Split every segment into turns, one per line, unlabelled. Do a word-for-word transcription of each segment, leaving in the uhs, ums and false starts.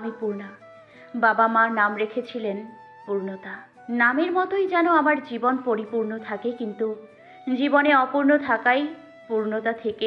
আমি পূর্ণা। বাবা মা নাম রেখেছিলেন পূর্ণতা। নামের মতোই যেন আমার জীবন পরিপূর্ণ থাকে, কিন্তু জীবনে অপূর্ণ থাকাই পূর্ণতা থেকে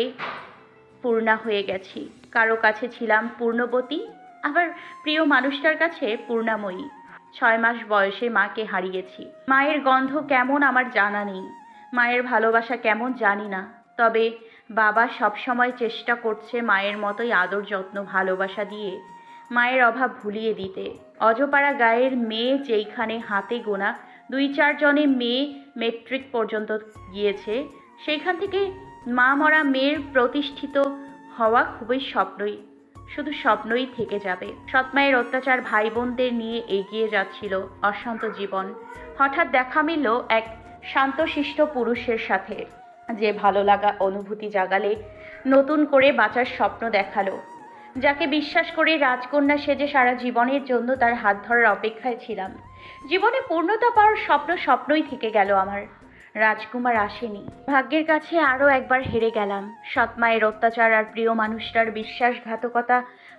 পূর্ণা হয়ে গেছি। কারো কাছে ছিলাম পূর্ণবতী, আবার প্রিয় মানুষটার কাছে পূর্ণাময়ী। ছয় মাস বয়সে মাকে হারিয়েছি। মায়ের গন্ধ কেমন আমার জানা নেই, মায়ের ভালোবাসা কেমন জানি না। তবে বাবা সবসময় চেষ্টা করছে মায়ের মতোই আদর যত্ন ভালোবাসা দিয়ে মায়ের অভাব ভুলিয়ে দিতে। অজপাড়া গায়ের মেয়ে যেইখানে হাতে গোনা দুই চারজনে মেয়ে মেট্রিক পর্যন্ত গিয়েছে, সেইখান থেকে মা মরা মেয়ের প্রতিষ্ঠিত হওয়া খুবই স্বপ্নই, শুধু স্বপ্নই থেকে যাবে। সৎমায়ের অত্যাচার ভাই বোনদের নিয়ে এগিয়ে যাচ্ছিল অশান্ত জীবন। হঠাৎ দেখা মিলল এক শান্তশিষ্ট পুরুষের সাথে, যে ভালো লাগা অনুভূতি জাগালে নতুন করে বাঁচার স্বপ্ন দেখালো। যাকে বিশ্বাস করে রাজকন্যা সেজে সারা জীবনের জন্য তার হাত ধরার অপেক্ষায় ছিলাম। জীবনে পূর্ণতা পাওয়ার স্বপ্ন স্বপ্নই থেকে গেল আমার। রাজকুমার আসেনি। ভাগ্যের কাছে আরও একবার হেরে গেলাম। সৎমায়ের অত্যাচার আর প্রিয় মানুষটার বিশ্বাসঘাতকতা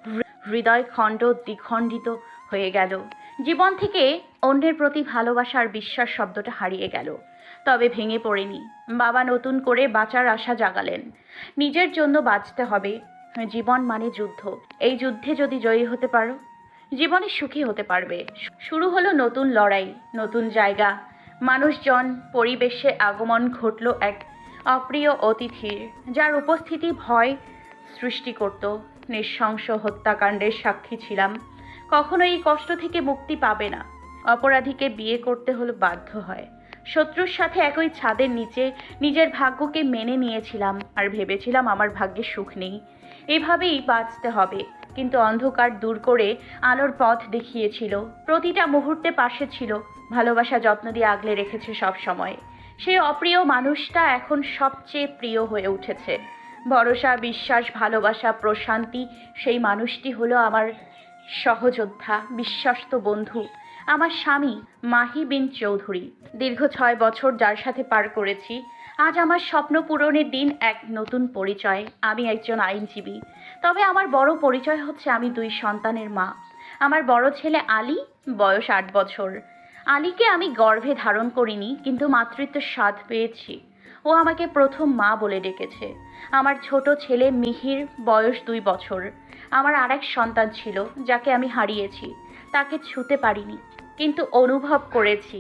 হৃদয় খণ্ড দ্বিখণ্ডিত হয়ে গেল। জীবন থেকে অন্যের প্রতি ভালোবাসা আর বিশ্বাস শব্দটা হারিয়ে গেল। তবে ভেঙে পড়েনি। বাবা নতুন করে বাঁচার আশা জাগালেন। নিজের জন্য বাঁচতে হবে। জীবন মানে যুদ্ধ। এই যুদ্ধে যদি জয়ী হতে পারো, জীবনে সুখী হতে পারবে। শুরু হলো নতুন লড়াই, নতুন জায়গা, মানুষজন, পরিবেশে আগমন ঘটল এক অপ্রিয় অতিথির, যার উপস্থিতি ভয় সৃষ্টি করত। নৃশংস হত্যাকাণ্ডের সাক্ষী ছিলাম। কখনো এই কষ্ট থেকে মুক্তি পাবে না। অপরাধীকে বিয়ে করতে হলো বাধ্য হয়। শত্রুর সাথে একই ছাদের নিচে নিজের ভাগ্যকে মেনে নিয়েছিলাম আর ভেবেছিলাম আমার ভাগ্যে সুখ নেই, এভাবেই বাঁচতে হবে। কিন্তু অন্ধকার দূর করে আলোর পথ দেখিয়েছিল। প্রতিটা মুহূর্তে পাশে ছিল, ভালোবাসা যত্ন দিয়ে আগলে রেখেছে সব সময়। সেই অপ্রিয় মানুষটা এখন সবচেয়ে প্রিয় হয়ে উঠেছে। ভরসা, বিশ্বাস, ভালোবাসা, প্রশান্তি, সেই মানুষটি হলো আমার সহযোদ্ধা, বিশ্বস্ত বন্ধু, আমার স্বামী মাহি বিন চৌধুরী। দীর্ঘ ছয় বছর যার সাথে পার করেছি, আজ আমার স্বপ্ন পূরণের দিন। এক নতুন পরিচয়, আমি একজন আইনজীবী। তবে আমার বড় পরিচয় হচ্ছে আমি দুই সন্তানের মা। আমার বড় ছেলে আলী, বয়স আট বছর। আলীকে আমি গর্ভে ধারণ করিনি, কিন্তু মাতৃত্বের স্বাদ পেয়েছি। ও আমাকে প্রথম মা বলে ডেকেছে। আমার ছোট ছেলে মিহির, বয়স দুই বছর। আমার আরেক সন্তান ছিল, যাকে আমি হারিয়েছি। তাকে ছুঁতে পারিনি, কিন্তু অনুভব করেছি।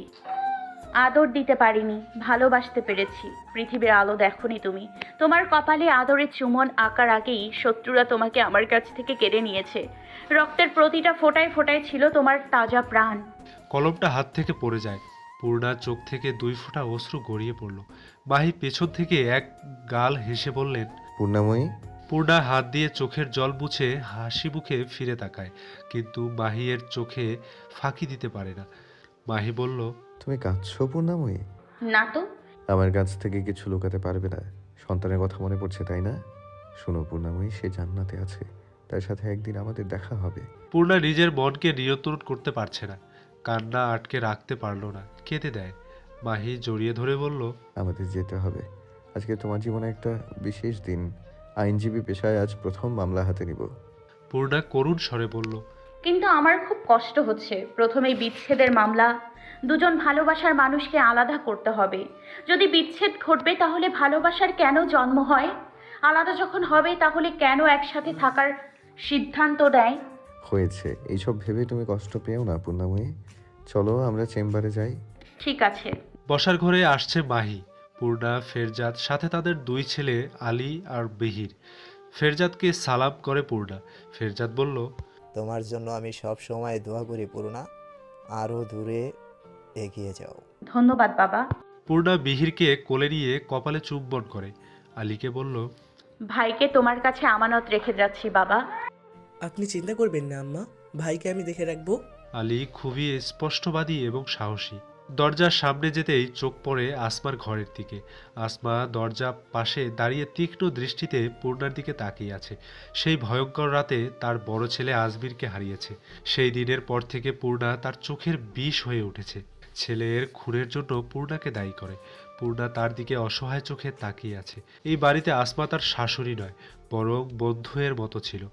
আদর দিতে পারিনি, ভালোবাসতে পেরেছি। পৃথিবীর আলো দেখোনি তুমি। তোমার কপালে আদরের চুমন আঁকার আগেই শত্রুরা তোমাকে আমার কাছ থেকে কেড়ে নিয়েছে। রক্তের প্রতিটা ফোঁটায় ফোঁটায় ছিল তোমার তাজা প্রাণ।
কলমটা হাত থেকে পড়ে যায়। পূর্ণার চোখ থেকে দুই ফোঁটা অশ্রু গড়িয়ে পড়ল। মাহি পেছন থেকে এক গাল হেসে বললেন,
পূর্ণাময়ী।
পূর্ণা হাত দিয়ে চোখের জল মুছে হাসি মুখে ফিরে তাকায়, কিন্তু মাহিয়ের চোখে ফাঁকি দিতে পারে না। মাহি বলল,
তুমি কাঁদছো পূর্ণাময়ী?
না তো।
আমার কাছ থেকে কিছু লুকাতে পারবে না। সন্তানের কথা মনে পড়ছে, তাই না? শোনো পূর্ণাময়ী, সে জান্নাতে আছে। তার সাথে একদিন আমাদের দেখা হবে।
পূর্ণা নিজের মনকে নিয়ন্ত্রণ করতে পারছে না। কান্না আটকে রাখতে পারল না, কেঁদে দেয়। মাহি জড়িয়ে ধরে বলল,
আমাদের যেতে হবে। আজকে তোমার জীবনে একটা বিশেষ দিন। আইনজীবী পেশায় আজ প্রথম মামলা হাতে নিব।
পূর্ণা করুণ স্বরে বলল,
কিন্তু আমার খুব কষ্ট হচ্ছে। প্রথমেই বিচ্ছেদের মামলা। দুজন ভালোবাসার মানুষকে আলাদা করতে হবে। যদি বিচ্ছেদ ঘটবে, তাহলে ভালোবাসার কেন জন্ম হয়? আলাদা যখন হবে, তাহলে কেন একসাথে থাকার সিদ্ধান্ত দেয়?
হয়েছে, এইসব ভেবে তুমি কষ্ট পেও না পূর্ণাময়ী। চলো আমরা চেম্বারে যাই।
ঠিক আছে।
বসার ঘরে আসছে মাহি, পূর্ণা, ফেরজাদ, সাথে তাদের দুই ছেলে আলী আর বিহির। ফেরজাদকে সালাম করে পূর্ণা। ফেরজাদ বলল,
তোমার জন্য আমি সব সময় দোয়া করি পূর্ণা, আরও দূরে এগিয়ে যাও।
ধন্যবাদ বাবা।
পূর্ণা বিহিরকে কোলে নিয়ে কপালে চুম্বন করে। আলীকে বলল,
ভাইকে তোমার কাছে আমানত রেখে যাচ্ছি বাবা।
আপনি চিন্তা করবেন না আম্মা, ভাইকে আমি দেখে রাখবো।
আলী খুবই স্পষ্টবাদী এবং সাহসী। দরজার সামনে যেতেই চোখ পড়ে আসমার ঘরের দিকে। আসমা দরজা পাশে দাঁড়িয়ে তীক্ষ্ণ দৃষ্টিতে পূর্ণার দিকে তাকিয়ে আছে। সেই ভয়ঙ্কর রাতে তার বড় ছেলে আজমিরকে হারিয়েছে। সেই দিনের পর থেকে পূর্ণা তার চোখের বিষ হয়ে উঠেছে। ছেলের খুনের জন্য পূর্ণাকে দায়ী করে। পূর্ণা তার দিকে অসহায় চোখে তাকিয়ে আছে। এই বাড়িতে আসমা তার শাশুড়ি নয়, বরং বন্ধুয়ের মতো ছিল।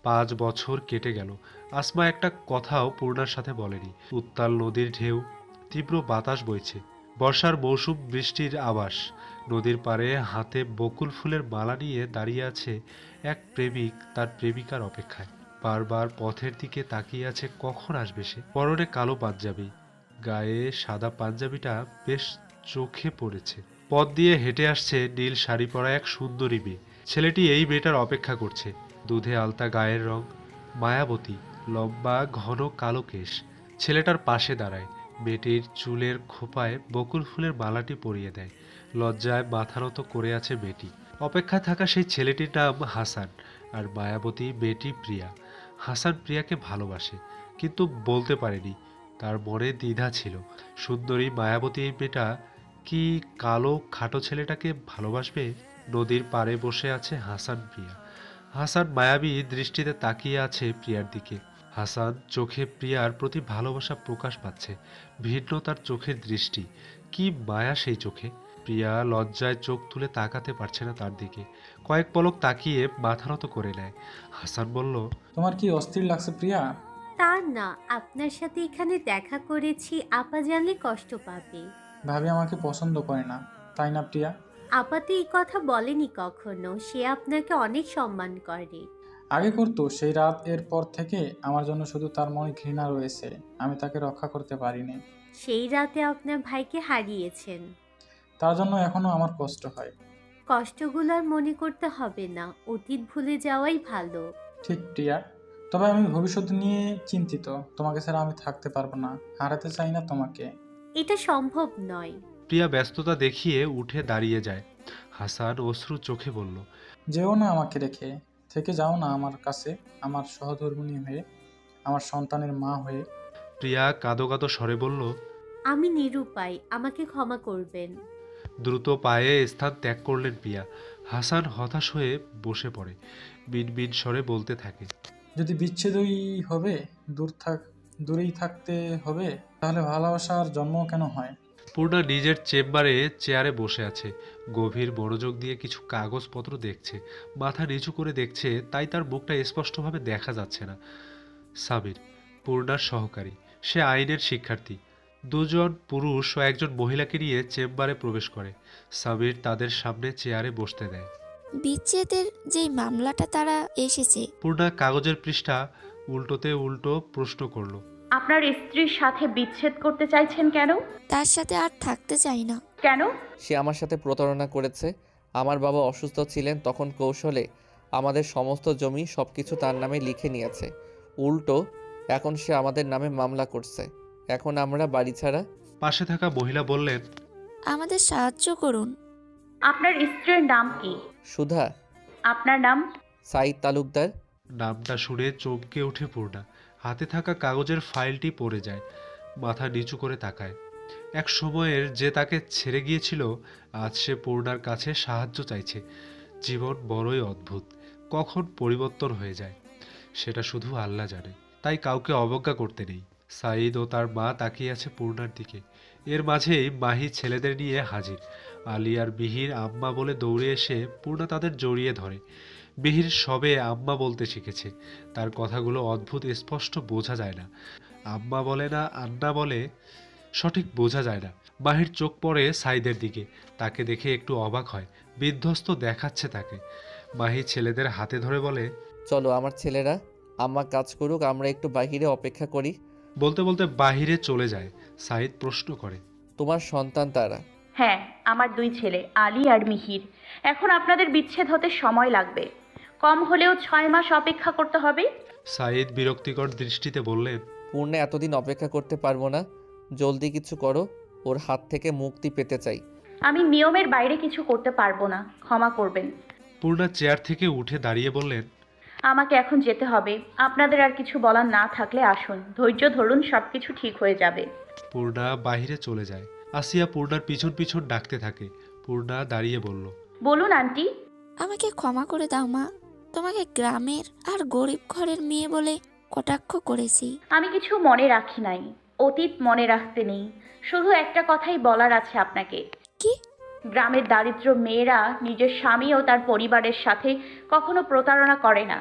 পাঁচ বছর কেটে গেল। আসমা একটা কথাও পূর্ণার সাথে বলেনি। উত্তাল নদীর ঢেউ, তীব্র বাতাস বইছে, বর্ষার মৌসুম, বৃষ্টির আভাস। নদীর পাড়ে হাতে বকুল ফুলের মালা নিয়ে দাঁড়িয়ে আছে এক প্রেমিক তার প্রেমিকার অপেক্ষায়। বারবার পথের দিকে তাকিয়ে আছে কখন আসবে সে। পরনে কালো পাঞ্জাবি, গায়ে সাদা পাঞ্জাবিটা বেশ চোখে পড়েছে। পথ দিয়ে হেঁটে আসছে নীল শাড়ি পরা এক সুন্দরী মেয়ে। ছেলেটি এই মেয়েটার অপেক্ষা করছে। দুধে আলতা গায়ের রং, মায়াবতী, লম্বা ঘন কালো কেশ। ছেলেটার পাশে দাঁড়ায়, মেয়েটির চুলের খোপায় বকুল ফুলের মালাটি পরিয়ে দেয়। লজ্জায় মাথা নত করে আছে মেয়েটি। অপেক্ষায় থাকা সেই ছেলেটির নাম হাসান, আর মায়াবতী মেয়েটি প্রিয়া। হাসান প্রিয়াকে ভালোবাসে, কিন্তু বলতে পারেনি। তার মনে দ্বিধা ছিল। সুন্দরী মায়াবতী এই মেয়েটা কি কালো খাটো ছেলেটাকে ভালোবাসবে? নদীর পাড়ে বসে আছে হাসান প্রিয়া। হাসান মায়াবী দৃষ্টিতে তাকিয়ে আছে প্রিয়ার দিকে। হাসান চোখে প্রিয়ার প্রতি ভালোবাসা প্রকাশ পাচ্ছে। ভিন্ন তার চোখের দৃষ্টি, কি মায়া সেই চোখে। প্রিয়া লজ্জায় চোখ তুলে তাকাতে পারছে না তার দিকে। কয়েক পলক তাকিয়ে মাথা নত করে নেয়। হাসান বলল,
তোমার কি অস্থির লাগছে প্রিয়া?
তা না, আপনার সাথে এখানে দেখা করেছি, আপা জানলে কষ্ট পাবে।
ভাবি আমাকে পছন্দ করে না, তাই না প্রিয়া?
আপা তো এই কথা বলেনি কখনো, সে আপনাকে অনেক সম্মান করে।
আগে করতো, সেই রাত এর পর থেকে আমার জন্য শুধু তার মনে ঘৃণা রয়েছে। আমি তাকে রক্ষা করতে পারিনি।
সেই রাতে আপনার ভাইকে হারিয়েছেন।
তার জন্য এখনো আমার কষ্ট হয়।
কষ্টগুলো আর মনে করতে হবে না, অতীত ভুলে যাওয়াই ভালো।
ঠিক প্রিয়া, তবে আমি ভবিষ্যৎ নিয়ে চিন্তিত। তোমাকে ছাড়া আমি থাকতে পারবো না, হারাতে চাই না তোমাকে।
এটা সম্ভব নয়।
প্রিয়া ব্যস্ততা দেখিয়ে উঠে দাঁড়িয়ে যায়। হাসান অশ্রু চোখে বলল,
যেও না আমাকে রেখে, থেকে যাও না আমার কাছে, আমার সহধর্মিণী হয়ে, আমার সন্তানের মা হয়ে।
প্রিয়া কাঁদো কাঁদো স্বরে বলল,
আমি নিরুপায়, আমাকে ক্ষমা করবেন।
দ্রুত পায়ে স্থান ত্যাগ করলেন প্রিয়া। হাসান হতাশ হয়ে বসে পড়ে, মিনমিন স্বরে বলতে থাকে,
যদি বিচ্ছেদই হবে, দূর থাক দূরেই থাকতে হবে, তাহলে ভালোবাসার জন্ম কেন হয়?
পূর্ণা নিজের চেম্বারে চেয়ারে বসে আছে। গভীর মনোযোগ দিয়ে কিছু কাগজপত্র দেখছে। মাথা নিচু করে দেখছে, তাই তার মুখটা স্পষ্টভাবে দেখা যাচ্ছে না। সামির, পূর্ণার সহকারী, সে আইনের শিক্ষার্থী। দুজন পুরুষ ও একজন মহিলাকে নিয়ে চেম্বারে প্রবেশ করে। সামির তাদের সামনে চেয়ারে বসতে দেয়।
বিচ্ছেদের যেই মামলাটা তারা এসেছে,
পূর্ণা কাগজের পৃষ্ঠা উল্টোতে উল্টো প্রশ্ন করলো,
আপনার স্ত্রীর সাথে বিচ্ছেদ করতে চাইছেন কেন?
তার সাথে আর থাকতে চাই না।
কেন?
সে আমার সাথে প্রতারণা করেছে। আমার বাবা অসুস্থ ছিলেন, তখন কৌশলে আমাদের সমস্ত জমি সব কিছু তার নামে লিখে নিয়েছে। উল্টো এখন সে আমাদের নামে মামলা করছে। এখন আমরা বাড়ি ছাড়া।
পাশে থাকা মহিলা বললেন,
আমাদের সাহায্য করুন।
আপনার স্ত্রীর নাম কি?
সুধা।
আপনার নাম?
সাইদ তালুকদার।
নামটা শুনে চমকে ওঠে পূর্ণা। হাতে থাকা কাগজের ফাইলটি পড়ে যায়। মাথা নিচু করে তাকায়। এক সময়ের যে তাকে ছেড়ে গিয়েছিল, আজ সে পূর্ণার কাছে সাহায্য চাইছে। জীবন বড়ই অদ্ভুত, কখন পরিবর্তন হয়ে যায় সেটা শুধু আল্লাহ জানে। তাই কাউকে অবজ্ঞা করতে নেই। সাঈদ ও তার মা তাকিয়ে আছে পূর্ণার দিকে। এর মাঝেই মাহি ছেলেদের নিয়ে হাজির। আলী আর বিহির আম্মা বলে দৌড়ে এসে পূর্ণা তাদের জড়িয়ে ধরে। বিহির সবে আম্মা বলতে শিখেছে। তার কথাগুলো অদ্ভুত, স্পষ্ট বোঝা যায় না। আম্মা বলে না আন্না বলে, সঠিক বোঝা যায় না। মাহির চোখ পড়ে সাইদের দিকে। তাকে দেখে একটু অবাক হয়। বিধ্বস্ত দেখাচ্ছে তাকে। মাহি ছেলেদের হাতে ধরে বলে,
চলো আমার ছেলেরা, আম্মা কাজ করুক, আমরা একটু বাহিরে অপেক্ষা করি।
বলতে বলতে বাহিরে চলে যায়। সাইদ প্রশ্ন করে,
তোমার সন্তান তারা?
হ্যাঁ, আমার দুই ছেলে আলী আর মিহির। এখন আপনাদের বিচ্ছেদ হতে সময় লাগবে, কম হলেও ছয় মাস অপেক্ষা করতে হবে।
সাইদ বিরক্তিকর দৃষ্টিতে বললেন,
পূর্ণে এতদিন অপেক্ষা করতে পারবো না, জলদি কিছু করো, ওর হাত থেকে মুক্তি পেতে চাই।
আমি নিয়মের বাইরে কিছু করতে পারবো না, ক্ষমা করবেন।
পূর্ণা চেয়ার থেকে উঠে দাঁড়িয়ে বললেন,
আমাকে এখন যেতে হবে। আপনাদের আর কিছু বলার না থাকলে আসুন, ধৈর্য ধরুন, সব কিছু ঠিক হয়ে যাবে।
পূর্ণা বাহিরে চলে যায়। আসিয়া পূর্ণার পিছন পিছন ডাকতে থাকে। পূর্ণা দাঁড়িয়ে বলল,
বলুন আন্টি।
আমাকে ক্ষমা করে দাও মা, তোমাকে গ্রামের আর গরিব ঘরের মেয়ে বলে কটাক্ষ করেছি।
আমি কিছু মনে রাখি নাই, অতীত মনে রাখতে নেই। শুধু একটা কথাই বলার আছে আপনাকে।
কি?
গ্রামের দারিদ্র মেয়েরা নিজের স্বামী ও তার পরিবারের সাথে কখনো প্রতারণা করে না।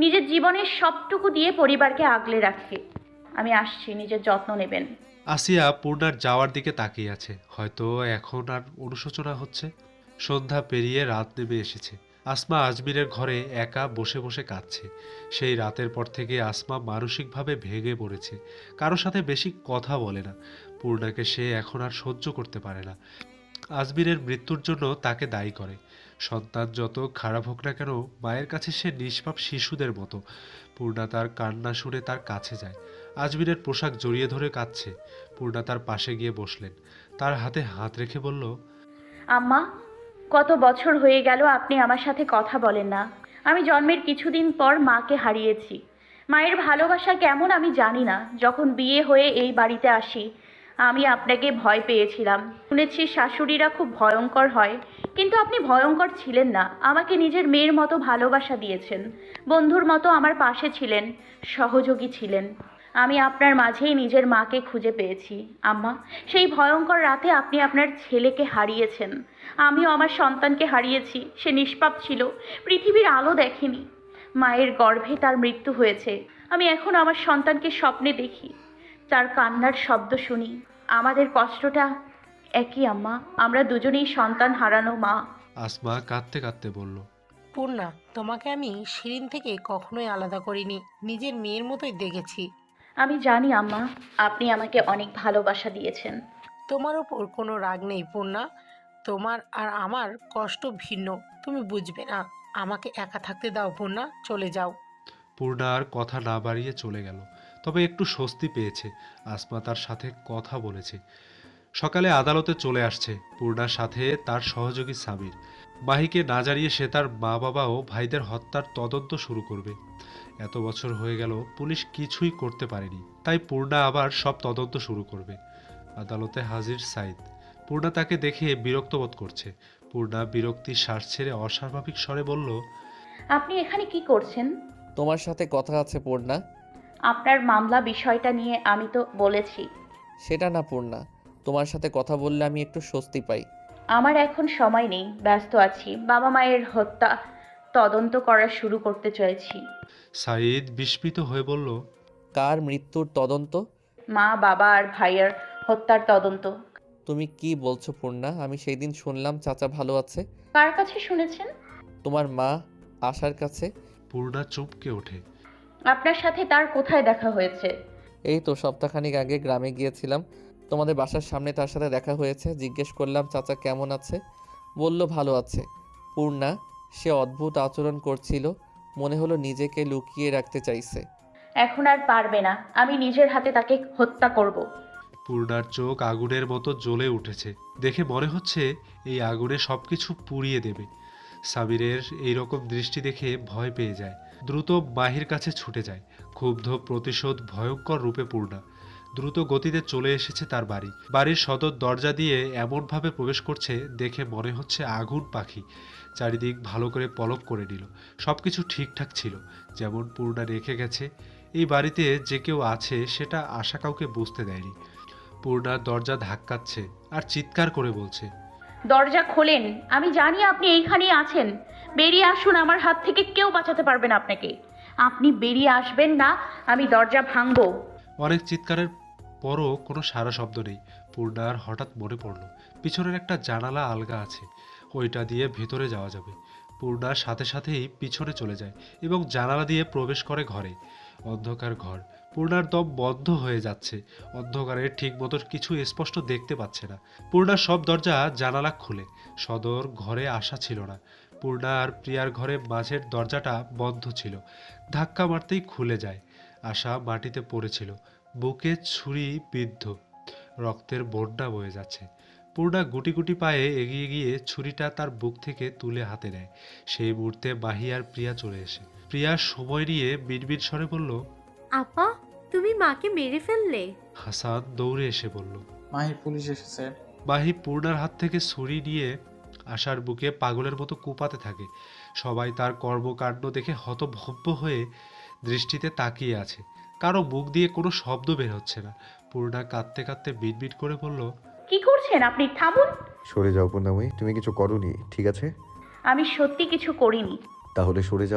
নিজের জীবনের সবটুকু দিয়ে পরিবারকে আগলে রাখে। আমি আসছি, নিজের যত্ন নেবেন।
আসিয়া পূর্ণার যাওয়ার দিকে তাকিয়ে আছে। হয়তো এখন আর অনুশোচনা হচ্ছে। সন্ধ্যা পেরিয়ে রাত নেমে এসেছে। আসমা আজমিরের ঘরে একা বসে বসে কাঁদছে। সেই রাতের পর থেকে আসমা মানসিকভাবে ভেঙে পড়েছে। কারো সাথে বেশি কথা বলে না। পূর্ণাকে সে এখন আর সহ্য করতে পারে না। আজমিরের মৃত্যুর জন্য তাকে দায়ী করে। সন্তান যত খারাপ হোক না কেন, মায়ের কাছে সে নিষ্পাপ শিশুদের মতো। পূর্ণা তার কান্না শুনে তার কাছে যায়। আজমিরের পোশাক জড়িয়ে ধরে কাঁদছে। পূর্ণা তার পাশে গিয়ে বসলেন। তার হাতে হাত রেখে বলল,
আম্মা, কত বছর হয়ে গেল আপনি আমার সাথে কথা বলেন না। আমি জন্মের কিছুদিন পর মাকে হারিয়েছি। মায়ের ভালোবাসা কেমন আমি জানি না। যখন বিয়ে হয়ে এই বাড়িতে আসি, আমি আপনাকে ভয় পেয়েছিলাম। শুনেছি শাশুড়িরা খুব ভয়ঙ্কর হয়, কিন্তু আপনি ভয়ঙ্কর ছিলেন না। আমাকে নিজের মেয়ের মতো ভালোবাসা দিয়েছেন, বন্ধুর মতো আমার পাশে ছিলেন, সহযোগী ছিলেন। আমি আপনার মাঝেই নিজের মাকে খুঁজে পেয়েছি। আম্মা, সেই ভয়ঙ্কর রাতে আপনি আপনার ছেলেকে হারিয়েছেন। আমিও আমার সন্তানকে হারিয়েছি। সে নিষ্পাপ ছিল, পৃথিবীর আলো দেখেনি। মায়ের গর্ভে তার মৃত্যু হয়েছে। আমি এখন আমার সন্তানকে স্বপ্নে দেখি, তার কান্নার শব্দ শুনি। আমাদের কষ্টটা একই আম্মা, আমরা দুজনেই সন্তান হারানো মা।
আসমা কাঁদতে কাঁদতে বলল,
পূর্ণা, তোমাকে আমি শিরিন থেকে কখনোই আলাদা করিনি, নিজের মেয়ের মতোই দেখেছি।
আমি জানি আম্মা, আপনি আমাকে অনেক ভালোবাসা দিয়েছেন।
তোমার ওপর কোনো রাগ নেই পূর্ণা, তোমার আর আমার কষ্ট ভিন্ন, তুমি বুঝবে না। আমাকে একা থাকতে দাও পূর্ণা, চলে যাও।
পূর্ণা আর কথা না বাড়িয়ে চলে গেল। তবে একটু স্বস্তি পেয়েছে। আসমা তার সাথে কথা বলেছে। সকালে আদালতে চলে আসছে পূর্ণার সাথে তার সহযোগী সামির। মাহিকে না জানিয়ে সে তার মা বাবা ও ভাইদের হত্যার তদন্ত শুরু করবে। এত বছর হয়ে গেল, পুলিশ কিছুই করতে পারেনি, তাই পূর্ণা আবার সব তদন্ত শুরু করবে। আদালতে হাজির সাইদ। পূর্ণা তাকে দেখে বিরক্ত বোধ করছে। পূর্ণা বিরক্তির শ্বাস ছেড়ে অস্বাভাবিক স্বরে বলল,
আপনি এখানে কি করছেন?
তোমার সাথে কথা আছে পূর্ণা।
আপনার মামলা বিষয়টা নিয়ে আমি তো বলেছি।
সেটা না পূর্ণা, তোমার সাথে কথা বললে আমি একটু স্বস্তি পাই।
আমার এখন সময় নেই, ব্যস্ত আছি। বাবা মায়ের হত্যা তদন্ত করা শুরু করতে চাইছি।
সাইদ বিস্মিত হয়ে বলল,
কার মৃত্যুর তদন্ত?
মা, বাবা আর ভাইয়ের হত্যার তদন্ত।
তুমি কি বলছো পূর্ণা? আমি সেই দিন শুনলাম চাচা ভালো আছে।
কার কাছে শুনেছেন?
তোমার মা আশার কাছে।
পূর্ণা চমকে ওঠে।
আপনার সাথে তার কোথায় দেখা হয়েছে?
এই তো সপ্তাহখানিক আগে গ্রামে গিয়েছিলাম, তোমাদের বাসার সামনে তার সাথে দেখা হয়েছে। জিজ্ঞেস করলাম চাচা কেমন আছে, বলল ভালো আছে। পূর্ণা, সে অদ্ভুত আচরণ করছিল, মনে হলো নিজেকে লুকিয়ে রাখতে চাইছে।
এখন আর পারবে না, আমি নিজের হাতে তাকে হত্যা করব।
পূর্ণার চোখ আগুনের মতো জ্বলে উঠেছে। দেখে মনে হচ্ছে এই আগুনে সবকিছু পুড়িয়ে দেবে। সামিরের এইরকম দৃষ্টি দেখে ভয় পেয়ে যায়। দ্রুত মাহির কাছে ছুটে যায়। ক্ষুব্ধ প্রতিশোধ ভয়ঙ্কর রূপে পূর্ণা দ্রুত গতিতে চলে এসেছে তার বাড়ি। বাড়ির সদর দরজা দিয়ে এমনভাবে প্রবেশ করছে দেখে মনে হচ্ছে আগুন পাখি। চারিদিক ভালো করে পলক করে নিল। সব কিছু ঠিকঠাক ছিল, যেমন পূর্ণা রেখে গেছে। এই বাড়িতে যে কেউ আছে সেটা আশা কাউকে বুঝতে দেয়নি। পূর্ণা দরজা ধাক্কাচ্ছে আর চিৎকার করে বলছে,
দরজা খোলেন, আমি জানি আপনি এইখানেই আছেন। বেরিয়ে আসুন, আমার হাত থেকে কেউ বাঁচাতে পারবে না আপনাকে। আপনি বেরিয়ে আসবেন না, আমি দরজা ভাঙবো।
অনেক চিৎকারের পরও কোনো সারা শব্দ নেই। পূর্ণার হঠাৎ মনে পড়ল পিছনের একটা জানালা আলগা আছে, ওইটা দিয়ে ভেতরে যাওয়া যাবে। পূর্ণার সাথে সাথেই পিছনে চলে যায় এবং জানালা দিয়ে প্রবেশ করে ঘরে। অন্ধকার ঘর। পূর্ণার দম বন্ধ হয়ে যাচ্ছে। অন্ধকারে ঠিক মতো কিছু স্পষ্ট দেখতে পাচ্ছে না। পূর্ণার সব দরজা জানালা খুলে। সদর ঘরে আসা ছিল না। পূর্ণা আর প্রিয়ার ঘরে মাঝের দরজাটা বন্ধ ছিল। ধাক্কা মারতেই খুলে যায়। আশা মাটিতে পড়েছিল, বুকে ছুরি বিদ্ধ, রক্তের বন্যা বয়ে যাচ্ছে। পূর্ণা গুটি গুটি পায়ে এগিয়ে গিয়ে ছুরিটা তার বুক থেকে তুলে হাতে নেয়। সেই মুহূর্তে মাহি আর প্রিয়া চলে এসে প্রিয়া সময় নিয়ে বিড়বিড় স্বরে বলল,
আপা, তুমি মাকে মেরে ফেললে?
হাসান দৌড়ে এসে বলল,
মাহি, পুলিশ এসেছে।
মাহি পূর্ণার হাত থেকে ছুরি নিয়ে আশার বুকে পাগলের মতো কুপাতে থাকে। সবাই তার কর্মকাণ্ড দেখে হতভম্ব হয়ে দৃষ্টিতে তাকিয়ে আছে। কারো মুখ দিয়ে কোনো শব্দ বের হচ্ছে না। পূর্ণা কাঁদতে কাঁদতে বিড়বিড় করে বলল,
কি করছেন আপনি? থামুন।
সরে যাও পূর্ণাময়ী, তুমি কিছু করোনি, ঠিক আছে?
আমি সত্যি কিছু করিনি।
তাহলে সরে যাও।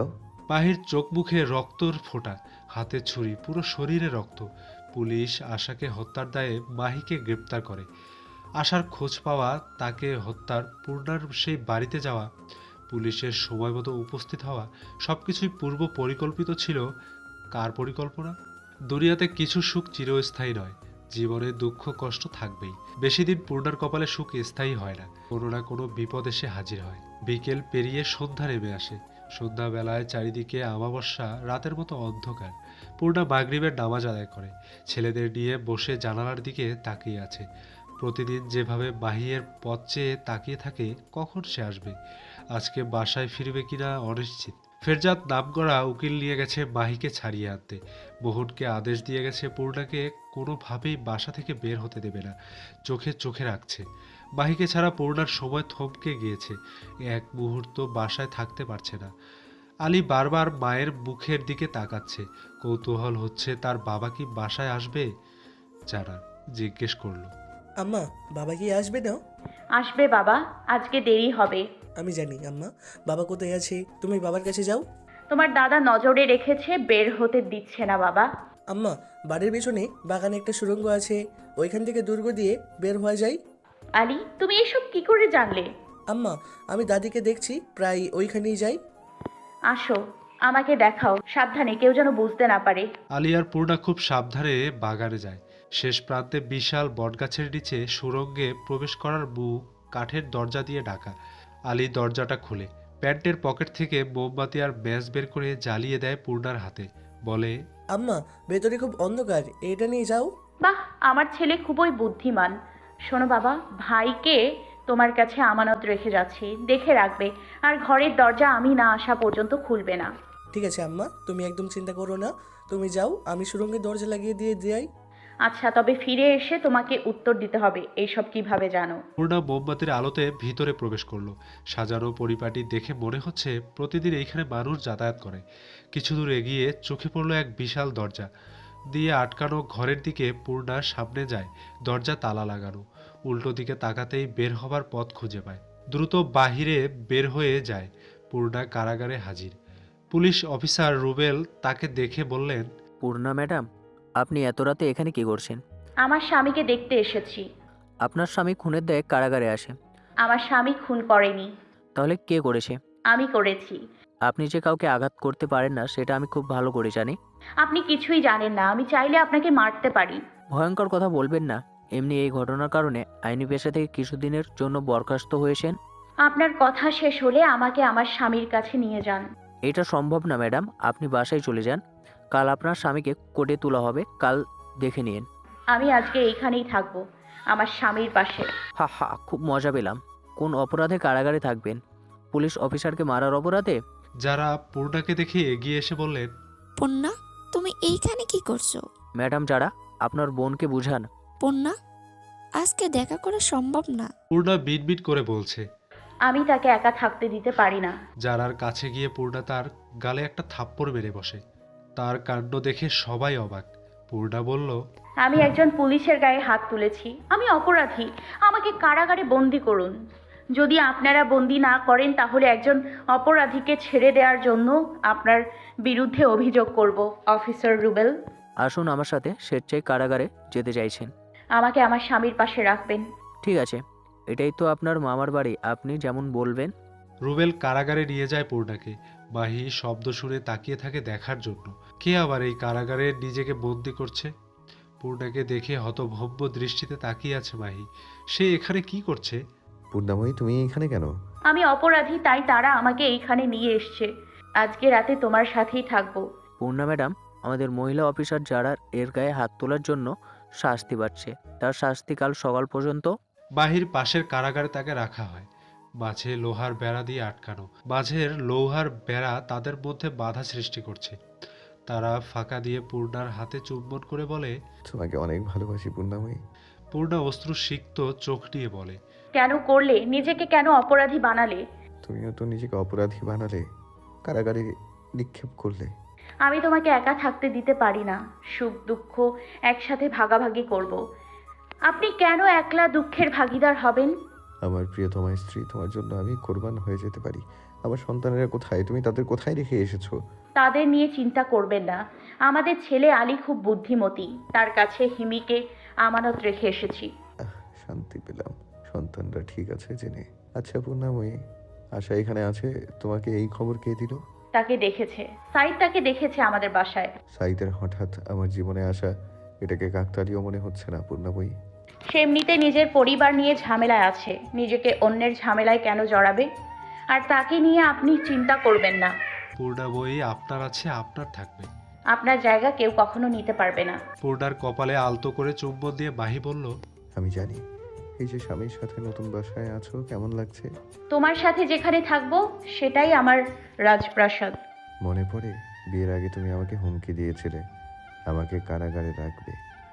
মাহির চোখ মুখে রক্তর ফোঁটা, হাতে ছুরি, পুরো শরীরে রক্ত। পুলিশ আশাকে হত্যার দায়ে মাহিকে গ্রেপ্তার করে। আশার খোঁজ পাওয়া, তাকে হত্যার, পূর্ণার সেই বাড়িতে যাওয়া, পুলিশের সময় মতো উপস্থিত হওয়া, সবকিছুই পূর্ব পরিকল্পিত ছিল। কার পরিকল্পনা? দুনিয়াতে কিছু সুখ চিরস্থায়ী নয়, জীবনে দুঃখ কষ্ট থাকবেই। বেশি দিন পূর্ণার কপালে সুখ স্থায়ী হয় না, কোনো না কোনো বিপদ এসে হাজির হয়। বিকেল পেরিয়ে সন্ধ্যা নেমে আসে। সন্ধ্যাবেলায় চারিদিকে আমাবস্যা রাতের মতো অন্ধকার। পূর্ণা মাগরিবের নামাজ আদায় করে, ছেলেদের নিয়ে বসে জানালার দিকে তাকিয়ে আছে। প্রতিদিন যেভাবে মাহিয়ের পথ চেয়ে তাকিয়ে থাকে কখন সে আসবে, আজকে বাসায় ফিরবে কিনা অনিশ্চিত। ফেরজাদ নামকরা উকিল নিয়ে গেছে মাহিকে ছাড়িয়ে আনতে। মোহনকে আদেশ দিয়ে গেছে পূর্ণাকে কোনোভাবেই বাসা থেকে বের হতে দেবে না, চোখে চোখে রাখছে। মাহিকে ছাড়া পূর্ণার সময় থমকে গিয়েছে, এক মুহূর্ত বাসায় থাকতে পারছে না। আলী বারবার মায়ের মুখের দিকে তাকাচ্ছে, কৌতূহল হচ্ছে তার বাবা কি বাসায় আসবে। জানার জিজ্ঞেস করলো,
আম্মা, বাবা কি আসবে না?
আসবে বাবা, আজকে দেরি হবে।
আমি জানি আম্মা, বাবা কোথায় আছে? তুমি বাবার কাছে যাও।
তোমার দাদা নজরে রেখেছে, বের হতে দিচ্ছে না বাবা।
আম্মা, বাড়ির পেছনে বাগানে একটা সুড়ঙ্গ আছে, ওইখান থেকে দুর্গ দিয়ে বের হওয়া যায়।
আলী, তুমি এসব কি করে জানলে?
আম্মা, আমি দাদিকে দেখছি প্রায় ওইখানেই যাই।
আসো, আমাকে দেখাও, সাবধানে, কেউ যেন বুঝতে না পারে।
আলী আর পূর্ণা খুব সাবধানে বাগানে যায়। শেষ প্রান্তে বিশাল বটগাছের নিচে সুড়ঙ্গে প্রবেশ করার মুখ কাঠের দরজা দিয়ে ঢাকা। আলী দরজাটা খুলে প্যান্টের পকেট থেকে মোমবাতি আর ম্যাচ বের করে জ্বালিয়ে দেয় পূর্ণার হাতে, বলে,
আম্মা, ভেতরে খুব অন্ধকার, এটা নিয়ে যাও।
বাহ, আমার ছেলে খুবই বুদ্ধিমান। শোনো বাবা, ভাইকে তোমার কাছে আমানত রেখে যাচ্ছি, দেখে রাখবে, আর ঘরের দরজা আমি না আসা পর্যন্ত খুলবে না।
ঠিক আছে আম্মা, তুমি একদম চিন্তা করো না, তুমি যাও, আমি সুড়ঙ্গের দরজা লাগিয়ে দিয়ে যাই।
আচ্ছা, তবে ফিরে এসে তোমাকে উত্তর দিতে হবে এইসব কিভাবে জানো।
পূর্ণা মোমবাতির আলোতে ভিতরে প্রবেশ করলো। সাজানো পরিপাটি দেখে মনে হচ্ছে প্রতিদিন এইখানে মানুষ যাতায়াত করে। কিছু দূর এগিয়ে চোখে পড়লো এক বিশাল দরজা দিয়ে আটকানো ঘরের দিকে। পূর্ণা সামনে যায়, দরজা তালা লাগানো। উল্টো দিকে তাকাতেই বের হবার পথ খুঁজে পায়, দ্রুত বাহিরে বের হয়ে যায়। পূর্ণা কারাগারে হাজির। পুলিশ অফিসার রুবেল তাকে দেখে বললেন,
পূর্ণা ম্যাডাম, আপনি এত রাতে এখানে কি করছেন?
আমার স্বামীকে দেখতে এসেছি।
আপনার স্বামী খুনের দায়ে কারাগারে আসে।
আমার স্বামী খুন করেনি।
তাহলে কে করেছে?
আমি করেছি।
আপনি যে কাউকে আঘাত করতে পারেন না সেটা আমি খুব ভালো করে জানি।
আপনি কিছুই জানেন না, আমি চাইলে আপনাকে মারতে পারি।
ভয়ঙ্কর কথা বলবেন না। এমনি এই ঘটনার কারণে আইনি পেশা থেকে কিছুদিনের জন্য বরখাস্ত হয়েছেন।
আপনার কথা শেষ হলে আমাকে আমার স্বামীর কাছে নিয়ে যান।
এটা সম্ভব না ম্যাডাম, আপনি বাসায় চলে যান। কাল আপনার স্বামীকে কোর্টে তোলা হবে, কাল দেখে নিন।
আমি আজকে এইখানেই থাকবো, আমার স্বামীর পাশে।
হা হা, খুব মজা পেলাম। কোন অপরাধে কারাগারে থাকবেন? পুলিশ অফিসারকে মারার অপরাধে?
যারা পূর্ণাকে দেখে এগিয়ে এসে বললেন,
পূর্ণা, তুমি এইখানে কি করছো?
ম্যাডাম, যারা আপনার বোনকে বুঝান।
পূর্ণা, আজকে দেখা করা সম্ভব না।
পূর্ণা বিটবিট করে বলছে।
আমি তাকে একা থাকতে দিতে পারি না।
যারার কাছে গিয়ে পূর্ণা তার গালে একটা থাপ্পড় মেরে বসে। তার কাণ্ড দেখে সবাই অবাক। পূর্ণা বলল,
আমি একজন পুলিশের গায়ে হাত তুলেছি, আমি অপরাধী, আমাকে কারাগারে বন্দি করুন। যদি আপনারা বন্দি না করেন তাহলে একজন অপরাধীকে ছেড়ে দেওয়ার জন্য আপনার বিরুদ্ধে অভিযোগ করব। অফিসার রুবেল,
আসুন আমার সাথে, স্বেচ্ছায় কারাগারে যেতে চাইছেন।
আমাকে আমার স্বামীর পাশে রাখবেন।
ঠিক আছে, এটাই তো আপনার মামার বাড়ি, আপনি যেমন বলবেন।
রুবেল কারাগারে নিয়ে যায় পূর্ণাকে। মাহি শব্দ শুনে তাকিয়ে থাকে দেখার জন্য, কে আবার এই কারাগারে নিজেকে বন্দি করছে। পূর্ণাকে দেখে হতভম্ব দৃষ্টিতে তাকিয়ে আছে মাহি। সে এখানে কি করছে?
পূর্ণাময়ী, তুমি এখানে কেন?
আমি অপরাধী, তাই তারা আমাকে এইখানে নিয়ে এসছে। আজকে রাতে তোমার সাথেই থাকবো।
পূর্ণা ম্যাডাম, আমাদের মহিলা অফিসার যারা এর গায়ে হাত তোলার জন্য শাস্তি পাচ্ছে, তার শাস্তি কাল সকাল পর্যন্ত।
মাহির পাশের কারাগারে তাকে রাখা হয়। মাঝে লোহার বেড়া দিয়ে আটকানো। মাঝের লোহার বেড়া তাদের মধ্যে বাধা সৃষ্টি করছে। তারা ফাঁকা দিয়ে পূর্ণার হাতে চুম্বন করে বলে,
তোমাকে অনেক ভালোবাসি পূর্ণাময়ী।
পূর্ণা অশ্রু সিক্ত চোখ নিয়ে বলে,
কেন করলে? নিজেকে কেন অপরাধী বানালে?
তুমিও তো নিজেকে অপরাধী বানালে, কারাগারে নিক্ষেপ করলে।
আমি তোমাকে একা থাকতে দিতে পারি না, সুখ দুঃখ একসাথে ভাগাভাগি করব। আপনি কেন একলা দুঃখের ভাগিদার হবেন?
আমার প্রিয়তমা স্ত্রী, তোমার জন্য আমি কোরবান হয়ে যেতে পারি, আমার সন্তানেরা কোথায়? তুমি তাদের কোথায় রেখে এসেছো?
তাদের নিয়ে চিন্তা করবেন না। আমাদের ছেলে আলী খুব বুদ্ধিমতী, তার কাছে হিমিকে আমানত রেখে এসেছি।
আহ, শান্তি পেলাম সন্তানরা ঠিক আছে জেনে। আচ্ছা পূর্ণাময়ী, আশা এখানে আছে, তোমাকে এই খবর কে দিল?
তাকে দেখেছে, সাইদ তাকে দেখেছে আমাদের বাসায়।
সাইদের হঠাৎ আমার জীবনে আসা, এটাকে কাকতালীয় মনে হচ্ছে না পূর্ণাময়ী?
সে এমনিতে নিজের পরিবার নিয়ে ঝামেলায় আছে, নিজেকে অন্যের ঝামেলায় কেন জড়াবে? আর তাকে নিয়ে আপনি চিন্তা করবেন না।
পূর্ণাময়ী আপনার আছে, আপনার থাকবে।
আপনার জায়গা কেউ কখনো নিতে পারবে না।
পূর্ণার কপালে আলতো করে চুম্বন দিয়ে মাহি বলল,
আমি জানি। এই যে স্বামীর সাথে নতুন বাসায় আছো, কেমন লাগছে?
তোমার সাথে যেখানে থাকবো সেটাই আমার রাজপ্রাসাদ।
মনে পড়ে বিয়ের আগে তুমি আমাকে হুমকি দিয়েছিলে আমাকে কারাগারে রাখবে।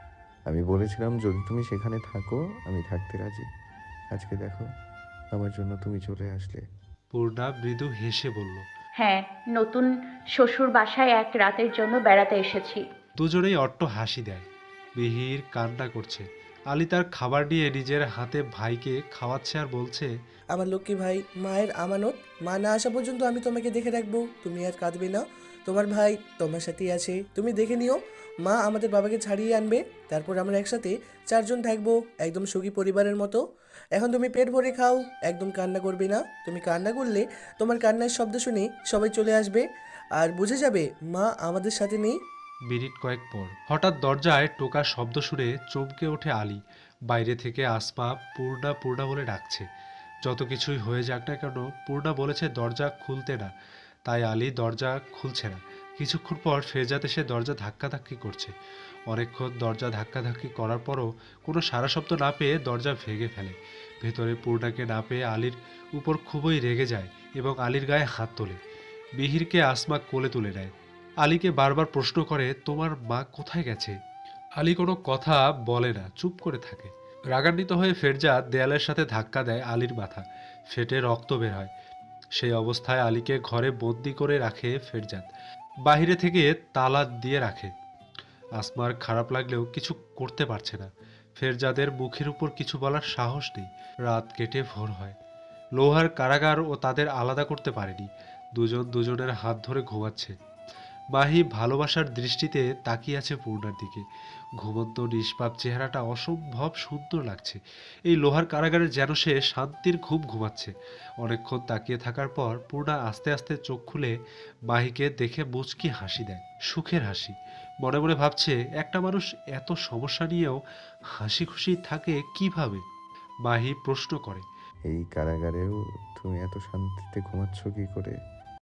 আমি বলেছিলাম যদি তুমি সেখানে থাকো আমি থাকতে রাজি। আজকে দেখো আমার জন্য তুমি চলে আসলে।
পূর্ণা মৃদু হেসে বলল,
হ্যাঁ, নতুন শ্বশুর বাসায় এক রাতের জন্য বেড়াতে এসেছি।
দুজনেই অট্ট হাসি দেয়। মিহির কান্না করছে। আলী তার খাবার নিয়ে নিজের হাতে ভাইকে খাওয়াচ্ছে আর বলছে,
আমার লক্ষ্মী ভাই, মায়ের আমানত, মা না আসা পর্যন্ত আমি তোমাকে দেখে রাখবো, তুমি আর কাঁদবে না। তোমার ভাই তোমার সাথেই আছে, তুমি দেখে নিও। মা আমাদের বাবাকে ছাড়িয়ে আনবে, তারপর আমরা একসাথে চারজন থাকবো, একদম সুখী পরিবারের মতো। এখন তুমি পেট ভরে খাও, একদম কান্না করবে না। তুমি কান্না করলে তোমার কান্নার শব্দ শুনে সবাই চলে আসবে আর বুঝে যাবে মা আমাদের সাথে নেই।
মিনিট কয়েক পর হঠাৎ দরজায় টোকা শব্দ শুনে চমকে ওঠে আলী। বাইরে থেকে আসমা পূর্ণা পূর্ণা বলে ডাকছে। যত কিছুই হয়ে যাক না কেন, পূর্ণা বলেছে দরজা খুলতে না, তাই আলী দরজা খুলছে না। কিছুক্ষণ পর ফেরজাদ এসে দরজা ধাক্কাধাক্কি করছে। অনেকক্ষণ দরজা ধাক্কাধাক্কি করার পরও কোনো সারা শব্দ না পেয়ে দরজা ভেঙে ফেলে। ভেতরে পূর্ণাকে না পেয়ে আলীর উপর খুবই রেগে যায় এবং আলীর গায়ে হাত তোলে। মিহিরকে আসমা কোলে তুলে নেয়। আলীকে বারবার প্রশ্ন করে, তোমার মা কোথায় গেছে? আলী কোনো কথা বলে না, চুপ করে থাকে। রাগান্বিত হয়ে ফেরজাদ দেয়ালের সাথে ধাক্কা দেয় আলীর মাথা, ফেটে রক্ত বের হয়। সেই অবস্থায় আলীকে ঘরে বন্দি করে রাখে ফেরজাদ, বাহিরে থেকে তালা দিয়ে রাখে। আসমার খারাপ লাগলেও কিছু করতে পারছে না। ফেরজাদের মুখের উপর কিছু বলার সাহস নেই। রাত কেটে ভোর হয়। লোহার কারাগার ও তাদের আলাদা করতে পারেনি। দুজন দুজনের হাত ধরে ঘুমাচ্ছে। মাহি ভালোবাসার দৃষ্টিতে তাকিয়ে আছে পূর্ণার দিকে। ঘুমন্ত নিষ্পাপ চেহারাটা অসম্ভব সুন্দর লাগছে। এই লোহার কারাগারে যেন সে শান্তির ঘুম ঘুমাচ্ছে। অনেকক্ষণ তাকিয়ে থাকার পর পূর্ণা আস্তে আস্তে চোখ খুলে মাহিকে দেখে মুচকি হাসি দেয়, সুখের হাসি। মনে মনে ভাবছে, একটা মানুষ এত সমস্যা নিয়েও হাসি খুশি থাকে কিভাবে? মাহি প্রশ্ন করে,
এই কারাগারেও তুমি এত শান্তিতে ঘুমাচ্ছ কি করে?